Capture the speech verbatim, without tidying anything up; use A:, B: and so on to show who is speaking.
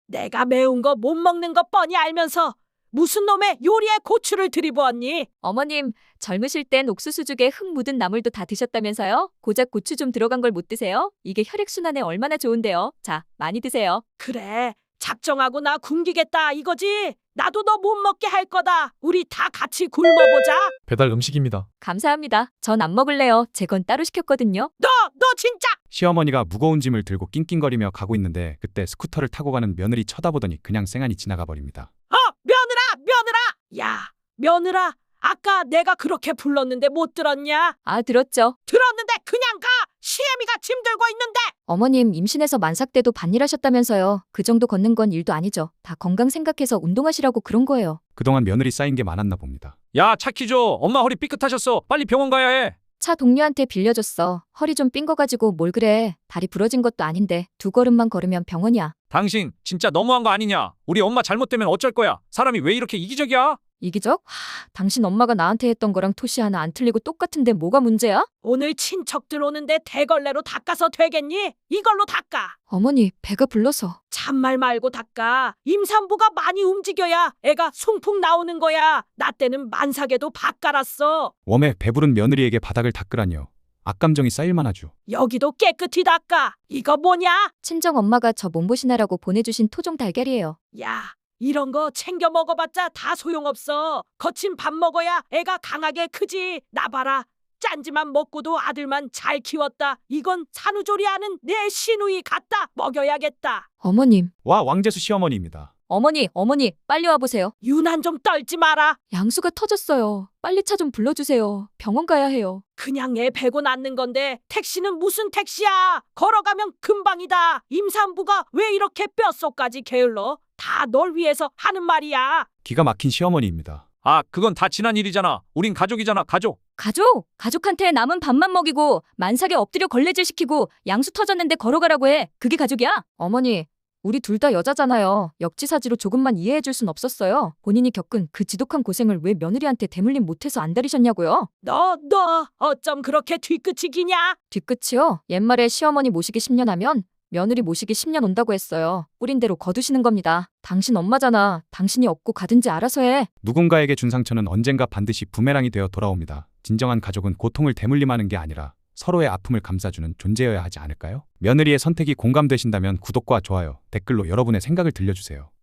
A: 내가 매운 거 못 먹는 거 뻔히 알면서 무슨 놈의 요리에 고추를 들이부었니?
B: 어머님, 젊으실 땐 옥수수죽에 흙 묻은 나물도 다 드셨다면서요? 고작 고추 좀 들어간 걸 못 드세요? 이게 혈액순환에 얼마나 좋은데요. 자, 많이 드세요.
A: 그래, 작정하고 나 굶기겠다 이거지? 나도 너 못 먹게 할 거다. 우리 다 같이 굶어보자.
C: 배달 음식입니다.
B: 감사합니다. 전 안 먹을래요. 제 건 따로 시켰거든요.
A: 너, 너 진짜!
D: 시어머니가 무거운 짐을 들고 낑낑거리며 가고 있는데 그때 스쿠터를 타고 가는 며느리 쳐다보더니 그냥 쌩안이 지나가 버립니다.
A: 어, 며느라, 며느라! 야, 며느라, 아까 내가 그렇게 불렀는데 못 들었냐?
B: 아, 들었죠.
A: 들었는데 그냥 가! 시애미가 짐 들고 있는데!
B: 어머님, 임신해서 만삭 때도 반일하셨다면서요. 그 정도 걷는 건 일도 아니죠. 다 건강 생각해서 운동하시라고 그런 거예요.
D: 그동안 며느리 쌓인 게 많았나 봅니다.
E: 야, 차 키 줘. 엄마 허리 삐끗하셨어. 빨리 병원 가야 해.
B: 차 동료한테 빌려줬어. 허리 좀 삔 거 가지고 뭘 그래. 다리 부러진 것도 아닌데 두 걸음만 걸으면 병원이야.
E: 당신 진짜 너무한 거 아니냐? 우리 엄마 잘못되면 어쩔 거야? 사람이 왜 이렇게 이기적이야?
B: 이기적? 하, 당신 엄마가 나한테 했던 거랑 토시 하나 안 틀리고 똑같은데 뭐가 문제야?
A: 오늘 친척들 오는데 대걸레로 닦아서 되겠니? 이걸로 닦아.
B: 어머니, 배가 불러서.
A: 잔말 말고 닦아. 임산부가 많이 움직여야 애가 숭풍 나오는 거야. 나 때는 만삭에도 밥 갈았어.
D: 웜에 배부른 며느리에게 바닥을 닦으라니요. 악감정이 쌓일만 하죠.
A: 여기도 깨끗이 닦아. 이거 뭐냐?
B: 친정 엄마가 저 몸보신하라고 보내주신 토종 달걀이에요.
A: 야, 이런 거 챙겨 먹어봤자 다 소용없어. 거친 밥 먹어야 애가 강하게 크지. 나 봐라. 짠지만 먹고도 아들만 잘 키웠다. 이건 산후조리하는 내 시누이 같다. 먹여야겠다.
B: 어머님,
D: 와, 왕재수 시어머니입니다.
B: 어머니, 어머니, 빨리 와보세요.
A: 유난 좀 떨지 마라.
B: 양수가 터졌어요. 빨리 차 좀 불러주세요. 병원 가야 해요.
A: 그냥 애 베고 낳는 건데 택시는 무슨 택시야. 걸어가면 금방이다. 임산부가 왜 이렇게 뼛속까지 게을러? 다 널 위해서 하는 말이야.
D: 기가 막힌 시어머니입니다.
E: 아, 그건 다 지난 일이잖아. 우린 가족이잖아, 가족.
B: 가족! 가족한테 남은 밥만 먹이고 만삭에 엎드려 걸레질 시키고 양수 터졌는데 걸어가라고 해. 그게 가족이야? 어머니, 우리 둘 다 여자잖아요. 역지사지로 조금만 이해해줄 순 없었어요. 본인이 겪은 그 지독한 고생을 왜 며느리한테 대물림 못해서 안달이셨냐고요?
A: 너, 너 어쩜 그렇게 뒤끝이 기냐?
B: 뒤끝이요? 옛말에 시어머니 모시기 십 년 하면 며느리 모시기 십 년 온다고 했어요. 뿌린 대로 거두시는 겁니다. 당신 엄마잖아. 당신이 없고 가든지 알아서 해.
D: 누군가에게 준 상처는 언젠가 반드시 부메랑이 되어 돌아옵니다. 진정한 가족은 고통을 대물림하는 게 아니라 서로의 아픔을 감싸주는 존재여야 하지 않을까요? 며느리의 선택이 공감되신다면 구독과 좋아요, 댓글로 여러분의 생각을 들려주세요.